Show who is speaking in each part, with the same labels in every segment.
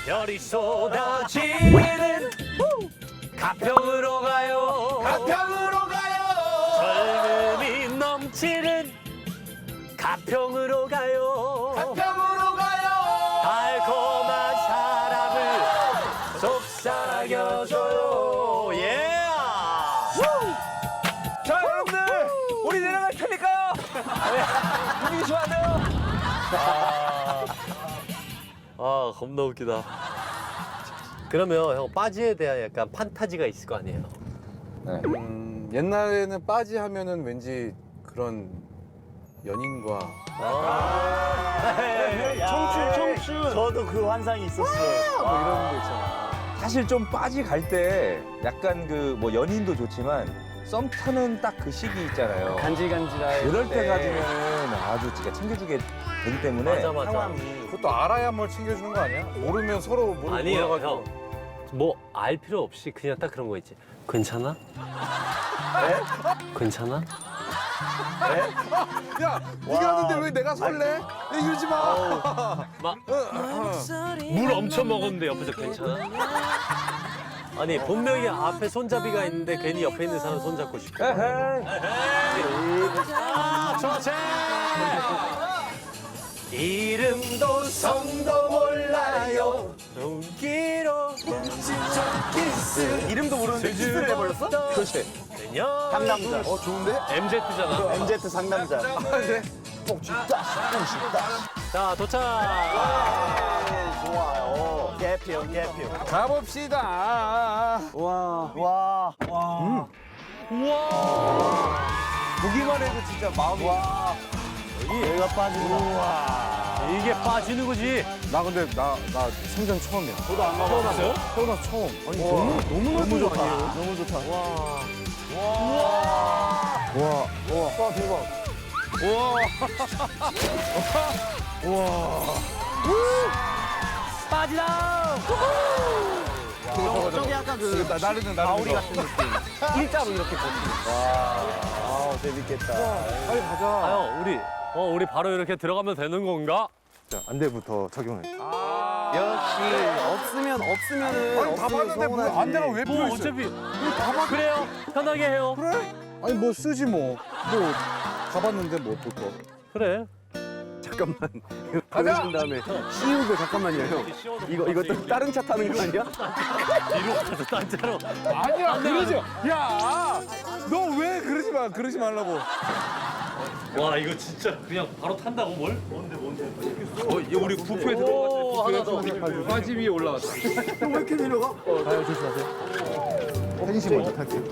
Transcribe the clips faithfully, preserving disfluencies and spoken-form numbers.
Speaker 1: 별이 쏟아지는 가평으로 가요.
Speaker 2: 가평으로 가요.
Speaker 1: 젊음이 넘치는 가평으로 가요.
Speaker 2: 가평으로 가요.
Speaker 1: 달콤한 사랑을 속삭여줘요. 예.
Speaker 2: 자, 여러분들, 우리 내려갈 테니까요. 분위기 좋아하네요.
Speaker 1: 아, 겁나 웃기다. 그러면 형 빠지에 대한 약간 판타지가 있을 거 아니에요?
Speaker 3: 음, 옛날에는 빠지 하면은 왠지 그런 연인과
Speaker 2: 청춘, 청춘.
Speaker 4: 저도 그 환상이 있었어요.
Speaker 3: 뭐 이런 거 있잖아.
Speaker 2: 사실 좀 빠지 갈 때 약간 그 뭐 연인도 좋지만 썸 타는 딱 그 시기 있잖아요.
Speaker 4: 간질간질할
Speaker 2: 그럴 때 가지면은 아주 진짜 챙겨주게 되기 때문에
Speaker 1: 맞아, 맞아.
Speaker 4: 상황이.
Speaker 3: 그것도 알아야 뭘 챙겨주는 거 아니야? 모르면 서로 모르,
Speaker 1: 아니에요,
Speaker 3: 몰라가지고.
Speaker 1: 형. 뭐 알 필요 없이 그냥 딱 그런 거 있지. 괜찮아? 괜찮아?
Speaker 3: 야, 네가 하는데 왜 내가 설레? 야, 이러지 마.
Speaker 1: 막 물 엄청 먹었는데 옆에서 괜찮아? 아니 분명히 앞에 손잡이가 있는데 괜히 옆에 있는 사람 손잡고 싶어.
Speaker 2: 에헤이.
Speaker 1: 아, 좋지. 이름도 성도 몰라요. 용기로 키스.
Speaker 4: 이름도 모르는데 키스를 해버렸어?
Speaker 2: 그렇지.
Speaker 4: 상남자.
Speaker 3: 어, 좋은데?
Speaker 1: 엠제트잖아.
Speaker 4: 엠제트 상남자.
Speaker 3: 그래?
Speaker 4: 꼭 싶다, 꼭 싶다.
Speaker 1: 자 도착.
Speaker 4: 좋아요. 개피요, 개피요.
Speaker 3: 가봅시다.
Speaker 4: 와, 와, 와.
Speaker 1: 우와.
Speaker 4: 보기만 해도 진짜 마음이. 와. 여기가 빠진다.
Speaker 1: 이게 빠지는 거지.
Speaker 3: 나 근데 나, 나 생전 처음이야.
Speaker 4: 저도 안 가봤어요.
Speaker 3: 태어나서 처음. 아니, 너무, 너무,
Speaker 4: 너무 좋다.
Speaker 3: 아니에요?
Speaker 4: 너무 좋다. 와.
Speaker 3: 와,
Speaker 4: 와, 대박.
Speaker 1: 빠지다.
Speaker 4: 저게 약간 그
Speaker 3: 나, 나르는,
Speaker 4: 가오리
Speaker 3: 나르는
Speaker 4: 같은 느낌. 일자로 이렇게 와, 아, 재밌겠다.
Speaker 3: 빨리 가자.
Speaker 1: 아, 형 우리 어 우리 바로 이렇게 들어가면 되는 건가?
Speaker 3: 자, 안대부터 적용해.
Speaker 4: 역시 없으면 없으면은
Speaker 3: 아니, 다
Speaker 4: 없으면
Speaker 3: 봤는데 뭐
Speaker 4: 서운하지.
Speaker 3: 안대가 왜
Speaker 1: 뭐
Speaker 3: 필요했어?
Speaker 1: 어차피 그래요. 편하게 해요.
Speaker 3: 그래? 아니, 뭐 쓰지 뭐. 뭐, 가봤는데 뭐 볼 거.
Speaker 1: 그래.
Speaker 4: 잠깐만. 그러신 다음에 씌우고 잠깐만요, 형. 이거 이거 또 다른 차 타는 거 아니야?
Speaker 1: 뒤로 가서 딴차로.
Speaker 3: 아니야, 그러지 마. 야, 너 왜 그러지 마, 그러지 말라고.
Speaker 1: 와 이거 진짜 그냥 바로 탄다고 뭘? 뭔데 뭔데?
Speaker 2: 어, 우리 부프에
Speaker 1: 오 하나 더.
Speaker 2: 바지 위에 올라왔다.
Speaker 4: 왜 이렇게 내려가?
Speaker 3: 펜시 먼저 탈게요.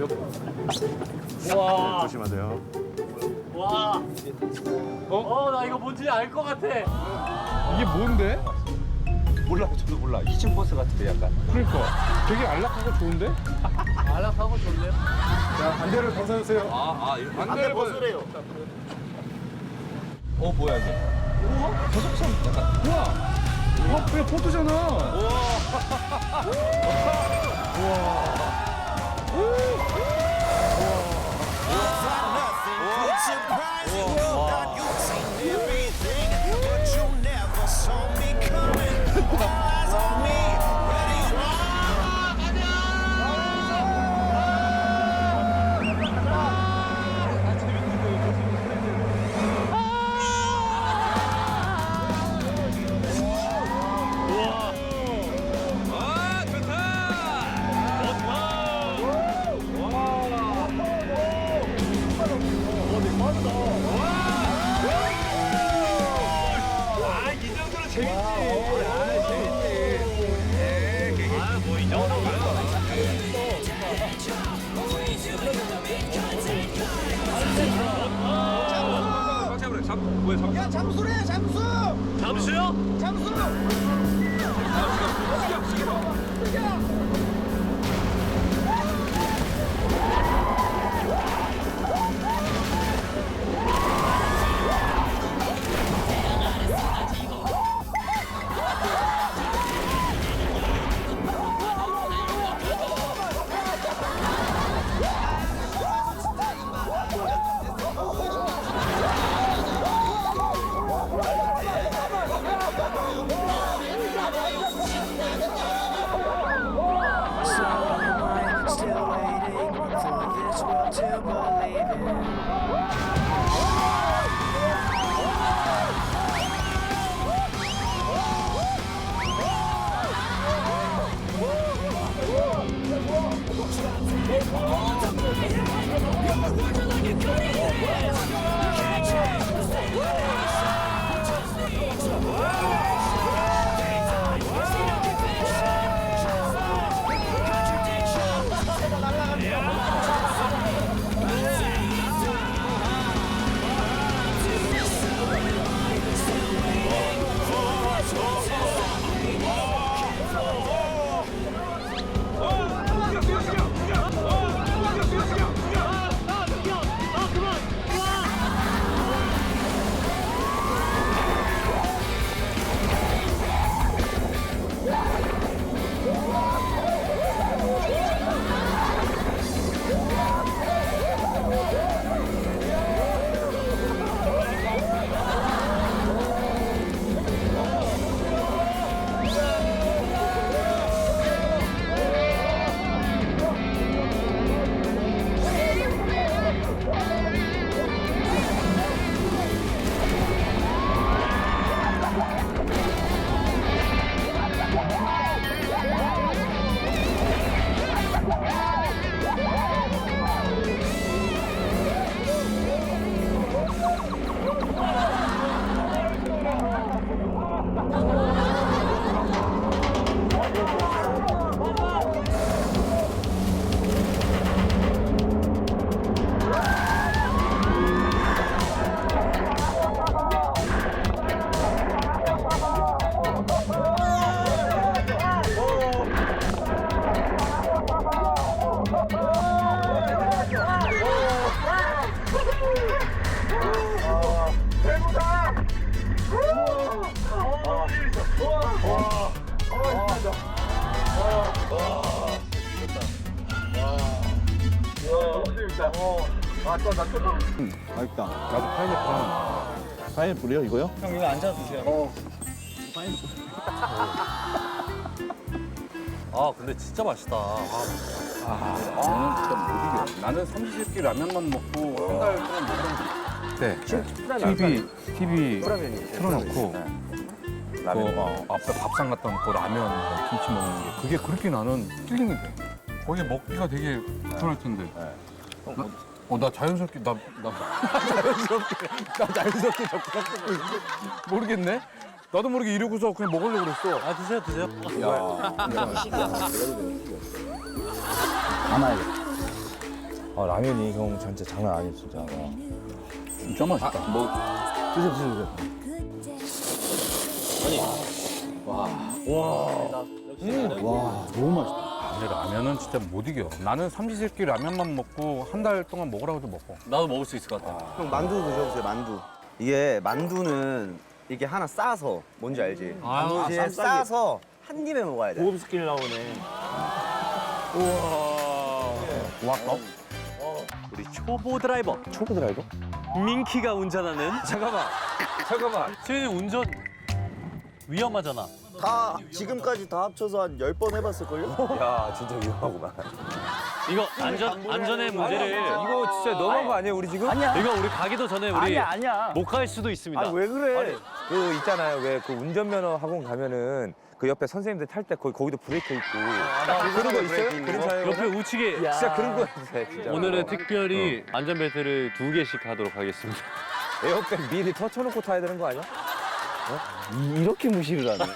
Speaker 1: 와.
Speaker 3: 조심하세요.
Speaker 1: 와. 어? 나 이거 뭔지 알 것 같아.
Speaker 3: 이게 뭔데?
Speaker 2: 몰라, 저도 몰라. 이층 버스 같은데 약간.
Speaker 3: 그러니까 되게 안락하고 좋은데?
Speaker 1: 안락하고 좋네요.
Speaker 3: 자, 안대를 벗어주세요.
Speaker 2: 아, 아, 이거.
Speaker 4: 안돼 벗으래요.
Speaker 2: 어, 뭐야, 이게. 우와, 저속성 약간.
Speaker 3: 우와! 와, 그냥 포트잖아.
Speaker 1: 잠수요?
Speaker 3: 맛있다. 나도 파인애플. 파인애플이요, 이거요?
Speaker 1: 형 이거 앉아 드세요. 아 근데 진짜 맛있다. 아,
Speaker 3: 나는 진짜 못 이겨. 나는 삼시세끼 라면만 먹고 한 달 동안 못 먹는 네. 티비, 티비 틀어놓고 그 어, 앞에 밥상 갖다 놓고 라면, 김치 먹는 게 그게 그렇게 나는 힐링이 돼. 거기 먹기가 되게 불편할 텐데. 나, 어, 나 자연스럽게, 나, 나 자연스럽게, 나 자연스럽게 접근하고 있는데 모르겠네? 나도 모르게 이러고서 그냥 먹으려고 그랬어.
Speaker 1: 아 드세요 드세요.
Speaker 2: 아, 라면이 형 진짜 장난 아니야, 진짜.
Speaker 3: 진짜 맛있다. 뭐,
Speaker 2: 드세요, 드세요, 드세요.
Speaker 3: 와, 너무 맛있다. 근데 라면은 진짜 못 이겨. 나는 삼시세끼 라면만 먹고 한 달 동안 먹으라고 해도 먹고.
Speaker 1: 나도 먹을 수 있을 것 같아.
Speaker 4: 형 만두 드셔보세요, 만두. 이게 만두는 이게 하나 싸서 뭔지 알지?
Speaker 1: 아,
Speaker 4: 만두에
Speaker 1: 아,
Speaker 4: 싸서 한 입에 먹어야 돼.
Speaker 1: 고급 스킬 나오네.
Speaker 3: 와, 어?
Speaker 1: 우리 초보 드라이버
Speaker 2: 초보 드라이버?
Speaker 1: 민키가 운전하는.
Speaker 2: 잠깐만, 잠깐만.
Speaker 1: 수현이 운전 위험하잖아.
Speaker 5: 다 지금까지 다 합쳐서 한 열 번 해봤을걸요?
Speaker 2: 야, 진짜 위험하구만.
Speaker 1: 이거 안전 안전의 문제를
Speaker 2: 이거 진짜 너무한 거 아니에요, 우리 지금?
Speaker 5: 아니야.
Speaker 1: 이거 우리 가기도 전에 우리
Speaker 5: 아니야, 아니야.
Speaker 1: 못 갈 수도 있습니다.
Speaker 5: 아니, 왜 그래?
Speaker 2: 그 있잖아요, 왜 그 운전면허 학원 가면은 그 옆에 선생님들 탈 때 거기 거기도 브레이크 있고. 그런 거 있어요? 그런 차에
Speaker 1: 옆에 우측에
Speaker 5: 야.
Speaker 2: 진짜 그런 거 있어요, 진짜.
Speaker 1: 오늘은 특별히 안전벨트를 두 개씩 하도록 하겠습니다.
Speaker 2: 에어백 미리 터쳐놓고 타야 되는 거 아니야?
Speaker 5: 이렇게 무시를 하네.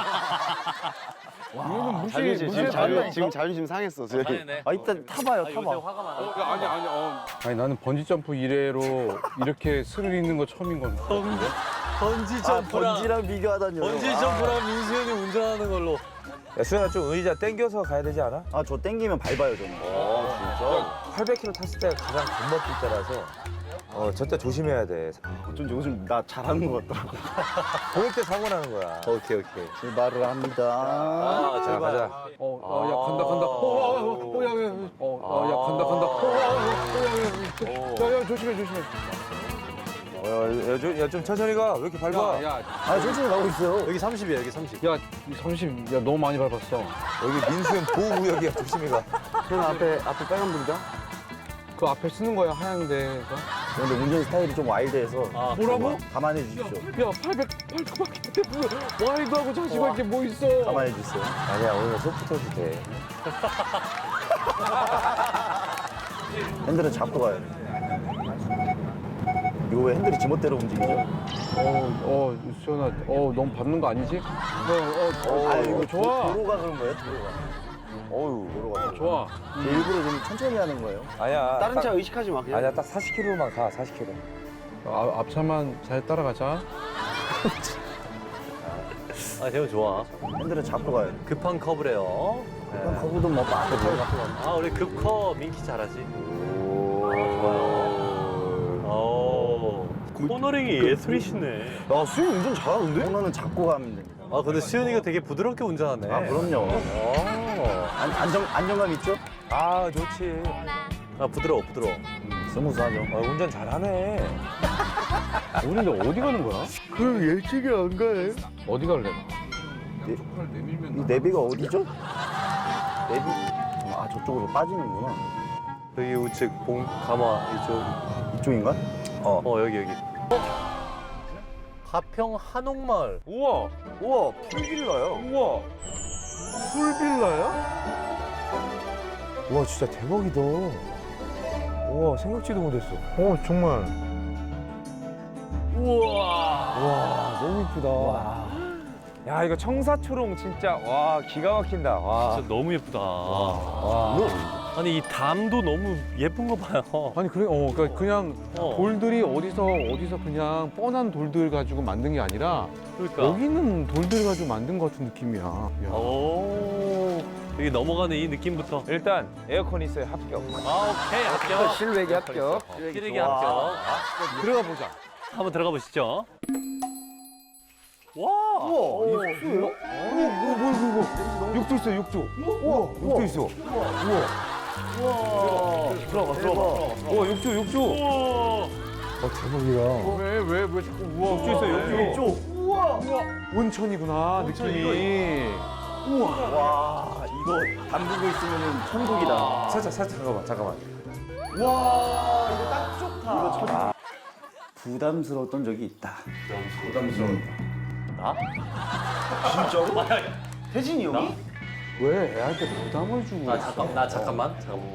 Speaker 3: 이거는 무시,
Speaker 5: 자존심,
Speaker 3: 무시
Speaker 5: 지금,
Speaker 3: 자유.
Speaker 5: 자존, 지금 자존심 상했어. 지금.
Speaker 1: 상했네.
Speaker 5: 아, 일단 타봐요,
Speaker 1: 요새
Speaker 5: 타봐.
Speaker 1: 화가 많아.
Speaker 3: 어, 아니, 아니, 어. 아니, 나는 번지점프 이래로 이렇게 스릴 있는 거 처음인 건.
Speaker 1: 번지
Speaker 5: 아,
Speaker 1: 점프랑
Speaker 5: 번지랑 비교하다니요.
Speaker 1: 번지
Speaker 5: 아.
Speaker 1: 점프랑 민수현이 운전하는 걸로.
Speaker 2: 야, 수현아 좀 의자 당겨서 가야 되지 않아?
Speaker 5: 아, 저 땡기면 밟아요, 저는.
Speaker 2: 팔백 킬로미터 탔을 때가 가장 겁먹을 때라서 어, 절대 조심해야 돼.
Speaker 5: 좀 요즘 나 잘하는 것 같더라고.
Speaker 2: 그럴 때 사고 나는 거야.
Speaker 5: 오케이, 오케이. 출발을 합니다.
Speaker 1: 아,
Speaker 2: 자,
Speaker 1: 제발.
Speaker 2: 가자.
Speaker 3: 어, 어, 야, 간다, 간다. 어, 어, 어, 어, 야, 야, 야. 어, 어, 야, 간다, 간다. 어, 어, 어, 어, 야, 야, 야, 야, 조심해, 조심해.
Speaker 2: 어, 야, 야, 좀, 야, 좀 천천히 가. 왜 이렇게 밟아?
Speaker 3: 야, 야,
Speaker 5: 아, 천천히 가고 있어요.
Speaker 1: 여기 삼십이야, 여기 삼십.
Speaker 3: 야, 삼십, 야, 너무 많이 밟았어.
Speaker 2: 여기 민수현 보호구역이야. 조심히 가.
Speaker 5: 형 앞에, 앞에 빨간 불이다?
Speaker 3: 그 앞에 쓰는 거야, 하얀데.
Speaker 5: 근데 운전 스타일이 좀 와일드해서.
Speaker 1: 아,
Speaker 3: 뭐라고?
Speaker 5: 감안해 주십시오.
Speaker 3: 야, 팔백, 팔백밖에 뭐, 와이드하고 자시고 이게 뭐 있어.
Speaker 5: 감안해 주세요.
Speaker 2: 아니야, 오늘 소프트도 돼.
Speaker 5: 핸들은 잡고 가야 돼. 이거 왜 핸들이 지멋대로 움직이죠?
Speaker 3: 어, 어, 수현아, 어, 너무 밟는 거 아니지? 어, 어, 어,
Speaker 5: 아,
Speaker 3: 이거 좋아.
Speaker 5: 도로가 그런 거예요? 도로가.
Speaker 2: 어유.
Speaker 5: 도로가.
Speaker 3: 좋아.
Speaker 5: 일부러 좀 천천히 하는 거예요.
Speaker 2: 아니야.
Speaker 4: 다른
Speaker 2: 딱-
Speaker 4: 차 의식하지 마. 그냥.
Speaker 2: 아니야, 딱 사십 킬로미터만 가, 사십 킬로미터.
Speaker 3: 아, 앞차만 잘 따라가자.
Speaker 1: 아, 대우 좋아.
Speaker 5: 핸들은 잡고 가야 돼.
Speaker 1: 급한 커브래요. 네.
Speaker 5: 그럼 거기도 뭐 많이 보여.
Speaker 1: 아, 우리 급커 민키 잘하지. 아, 좋아요. 오, 코너링이 예술이시네.
Speaker 5: 야, 수영 운전 잘하는데? 코너는 잡고 가면 됩니다.
Speaker 1: 아, 근데 수현이가 되게 부드럽게 운전하네.
Speaker 5: 아, 그럼요.
Speaker 1: 오.
Speaker 5: 안, 안정, 안정감 있죠?
Speaker 2: 아, 좋지.
Speaker 1: 아, 부드러워, 부드러워.
Speaker 5: 스무스하죠.
Speaker 2: 아, 운전 잘하네.
Speaker 3: 우리 근데 어디 가는 거야?
Speaker 5: 그 예측이 안 가요.
Speaker 3: 어디 갈래?
Speaker 5: 이 내비가 어디죠? 내비. 아, 저쪽으로 빠지는구나.
Speaker 1: 여기 우측 봉, 가마, 이쪽.
Speaker 5: 이쪽인가?
Speaker 1: 어, 어 여기, 여기. 어? 가평 한옥마을.
Speaker 2: 우와,
Speaker 5: 우와, 풀빌라요.
Speaker 2: 우와. 풀빌라야? 우와, 진짜 대박이다. 우와, 생각지도 못했어.
Speaker 3: 어, 정말.
Speaker 1: 우와.
Speaker 2: 와, 너무 이쁘다. 야, 이거 청사초롱 진짜 와 기가 막힌다. 와.
Speaker 1: 진짜 너무 예쁘다.
Speaker 2: 와.
Speaker 1: 아니, 이 담도 너무 예쁜 거 봐요.
Speaker 3: 아니, 그래, 어, 그러니까 그냥
Speaker 1: 어.
Speaker 3: 돌들이 어디서, 어디서 그냥 뻔한 돌들 가지고 만든 게 아니라
Speaker 1: 그러니까.
Speaker 3: 여기는 돌들 가지고 만든 것 같은 느낌이야. 야.
Speaker 1: 오. 여기 넘어가는 이 느낌부터.
Speaker 2: 일단 에어컨 있어요, 합격.
Speaker 1: 아, 오케이. 합격.
Speaker 2: 실외기 합격.
Speaker 1: 시래기
Speaker 5: 좋아.
Speaker 1: 합격.
Speaker 3: 들어가 보자.
Speaker 1: 한번 들어가 보시죠. 와.
Speaker 5: 우와, 이거 수예요?
Speaker 2: 뭐, 뭐, 이거, 이거. 육조 있어, 육조. 우와, 육조 있어.
Speaker 1: 우와. 들어가, 들어가.
Speaker 2: 우와, 육조, 육조.
Speaker 1: 우와.
Speaker 2: 어, 대박이야.
Speaker 3: 왜, 왜, 왜 자꾸 우와.
Speaker 2: 육조 있어, 육조.
Speaker 3: 온천이구나, 느낌이.
Speaker 5: 와, 이거 담그고 있으면 천국이다.
Speaker 2: 살짝, 살짝, 잠깐만, 잠깐만.
Speaker 5: 와, 이거 딱 좋다. 이거 천... 부담스러웠던 적이 있다. 부담스러웠다.
Speaker 1: 나?
Speaker 5: 진짜로? 혜진이 형이?
Speaker 3: 왜 애한테 부담을 주고.
Speaker 1: 나 잠깐, 나 잠깐만. 잠깐만.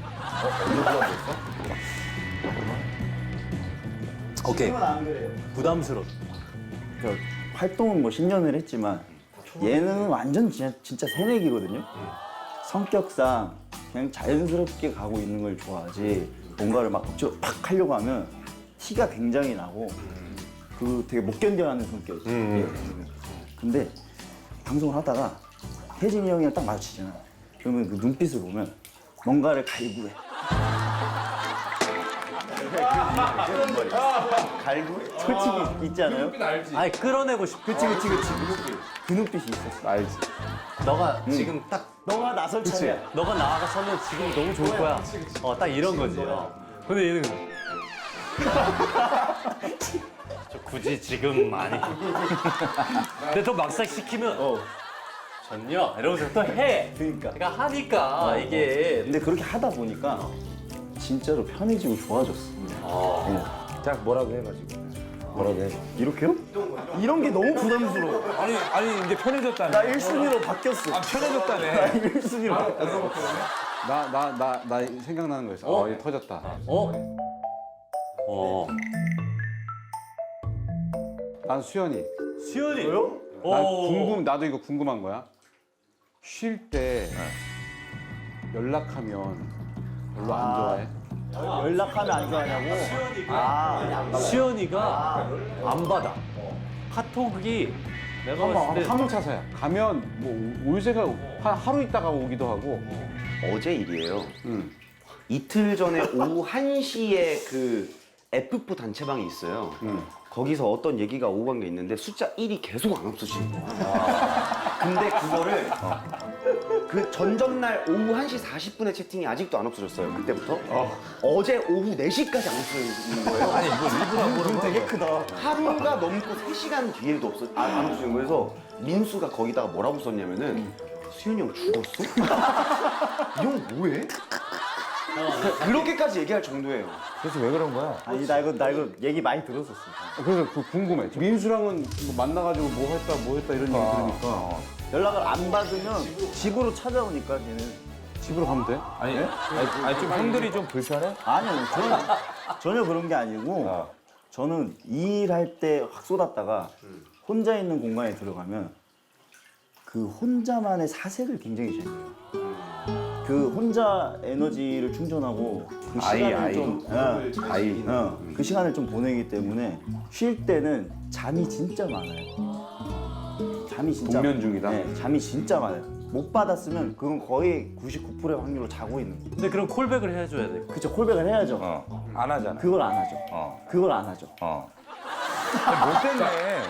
Speaker 1: 오케이.
Speaker 5: 지금은 안 그래요.
Speaker 1: 부담스러워.
Speaker 5: 저 활동은 뭐 십 년을 했지만 얘는 완전 진짜, 진짜 새내기거든요. 성격상 그냥 자연스럽게 가고 있는 걸 좋아하지 뭔가를 막 억지로 팍 하려고 하면 티가 굉장히 나고 그 되게 못 견뎌하는 성격이에요. 근데 방송을 하다가 혜진이 형이랑 딱 마주치잖아. 그러면 그 눈빛을 보면 뭔가를 갈구해. 갈구해? 솔직히 있지 않아요?
Speaker 1: 아니, 끌어내고 싶어.
Speaker 5: 그치 그치 그치 그 눈빛이 있었어. 알지.
Speaker 1: 너가 지금 딱,
Speaker 5: 너가 나설 차례야.
Speaker 1: 너가 나가서면 지금 너무 좋을 거야. 어, 딱 이런 거지. 어. 근데 얘는. 저 굳이 지금 많이. 근데 또 막상 시키면, 어, 전요? 이러면서 또 해.
Speaker 5: 그러니까.
Speaker 1: 그러니까 하니까 이게.
Speaker 5: 근데 그렇게 하다 보니까 진짜로 편해지고 좋아졌어.
Speaker 2: 자, 뭐라도 해가지고. 뭐라도 해.
Speaker 5: 이렇게요? 이런 게 너무 부담스러워.
Speaker 2: 아니, 아니, 이제 편해졌다네.
Speaker 5: 나 일 순위로 바뀌었어.
Speaker 2: 아, 편해졌다네.
Speaker 5: 나 일 순위로 바뀌었어.
Speaker 3: 나, 나, 나, 나 생각나는 거 있어. 어, 얘 터졌다.
Speaker 1: 어? 어.
Speaker 3: 난 수현이.
Speaker 1: 수현이.
Speaker 3: 난 궁금, 나도 이거 궁금한 거야. 쉴 때 연락하면 별로 안 좋아해?
Speaker 5: 연락하면 안 좋아하냐고? 아,
Speaker 1: 수현이가 안 받아. 카톡이 내가 봤을 때
Speaker 3: 화물차사야. 가면 뭐 올새가 한 하루 있다가 오기도 하고.
Speaker 4: 어제 일이에요.
Speaker 3: 응.
Speaker 4: 이틀 전에 오후 한 시에 그 에프 사 단체방이 있어요.
Speaker 3: 응.
Speaker 4: 거기서 어떤 얘기가 오고 간 게 있는데 숫자 일이 계속 안 없어지는 거야. 근데 그거를 그 전전날 오후 한 시 사십 분에 채팅이 아직도 안 없어졌어요. 그때부터. 어. 제 오후 네 시까지 안 없어지는 거예요. 아니,
Speaker 5: 뭐 일부러 안 보는 되게 크다.
Speaker 4: 하루가 넘고 세 시간 뒤에도 없어, 아, 안 없어지는 거예요. 그래서 민수가 거기다가 뭐라고 썼냐면은 수현이 형 죽었어? 이 형 뭐해? 그- 그렇게까지 얘기할 정도예요.
Speaker 2: 그래서 왜 그런 거야?
Speaker 5: 아니, 나 이거, 나 이거 얘기 많이 들었었어.
Speaker 3: 그래서 그 궁금해. 민수랑은 뭐 만나가지고 뭐 했다 뭐 했다 이런 얘기 들으니까
Speaker 5: 연락을 안 받으면 집으로 찾아오니까 얘는.
Speaker 3: 집으로 가면 돼?
Speaker 2: 아니, 아니, 아니, 좀 형들이 좀 불편해?
Speaker 5: 아니요, 전혀, 전혀 그런 게 아니고 저는 이 일 할 때 확 쏟았다가 혼자 있는 공간에 들어가면 그 혼자만의 사색을 굉장히 잘해요. 그 혼자 에너지를 충전하고 그
Speaker 3: 아이,
Speaker 5: 시간을
Speaker 3: 아이.
Speaker 5: 좀 어,
Speaker 3: 아이.
Speaker 5: 어, 그 시간을 좀 보내기 때문에 쉴 때는 잠이 진짜 많아요. 잠이 진짜
Speaker 3: 동면 중이다?
Speaker 5: 네, 잠이 진짜 많아요. 못 받았으면 그건 거의 구십구 퍼센트의 확률로 자고 있는 거예요.
Speaker 1: 근데 그럼 콜백을 해줘야 돼.
Speaker 5: 그쵸, 콜백을 해야죠.
Speaker 3: 어. 안 하잖아.
Speaker 5: 그걸 안 하죠.
Speaker 3: 어.
Speaker 5: 그걸 안 하죠.
Speaker 3: 어.
Speaker 2: 못 됐네.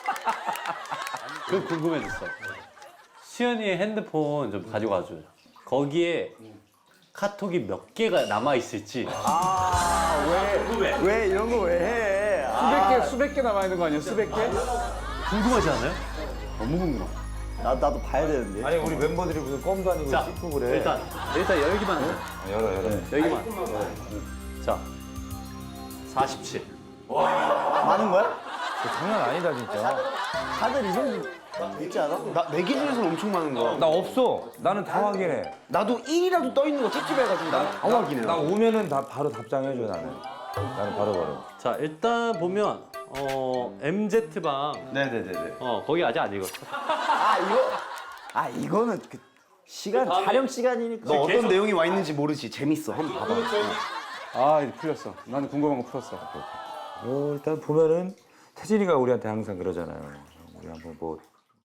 Speaker 1: 그 궁금해졌어. 수현이의 핸드폰 좀 가지고 와줘요. 거기에 카톡이 몇 개가 남아 있을지.
Speaker 5: 아, 왜, 왜 이런 거 왜 해? 아,
Speaker 3: 수백 개, 수백 개 남아 있는 거 아니야? 수백 개?
Speaker 1: 궁금하지 않아요?
Speaker 5: 너무 궁금해. 나, 나도 봐야 되는데.
Speaker 2: 아니 우리 멤버들이 무슨 껌도 아니고
Speaker 1: 자,
Speaker 2: 씹고 그래.
Speaker 1: 일단 일단 열기만 하자.
Speaker 3: 열어, 열어.
Speaker 1: 열기만. 자, 사십칠.
Speaker 5: 많은 거야?
Speaker 2: 그거 장난 아니다 진짜.
Speaker 5: 다들 이 정도 있지 않아?
Speaker 4: 나 내 기준에서는 엄청 많은 거야.
Speaker 2: 나 없어. 나는 다 확인해.
Speaker 4: 나도 일이라도 떠 있는 거 찝찝해가지고 나는 다 확인해.
Speaker 2: 나 오면은 다 바로 답장해줘 나는. 나는 바로 바로.
Speaker 1: 자, 일단 보면 어 엠지 방.
Speaker 4: 네네네네.
Speaker 1: 어 거기 아직 안 읽었어.
Speaker 5: 아, 이거. 아, 이거는 그 시간, 촬영 시간이니까.
Speaker 4: 너 어떤
Speaker 1: 계속-
Speaker 4: 내용이 와 있는지 모르지. 재밌어. 한번 봐봐.
Speaker 3: 아, 이제 풀렸어. 나는 궁금한 거 풀었어.
Speaker 2: 어, 일단 보면은 태진이가 우리한테 항상 그러잖아요. 우리 한번 뭐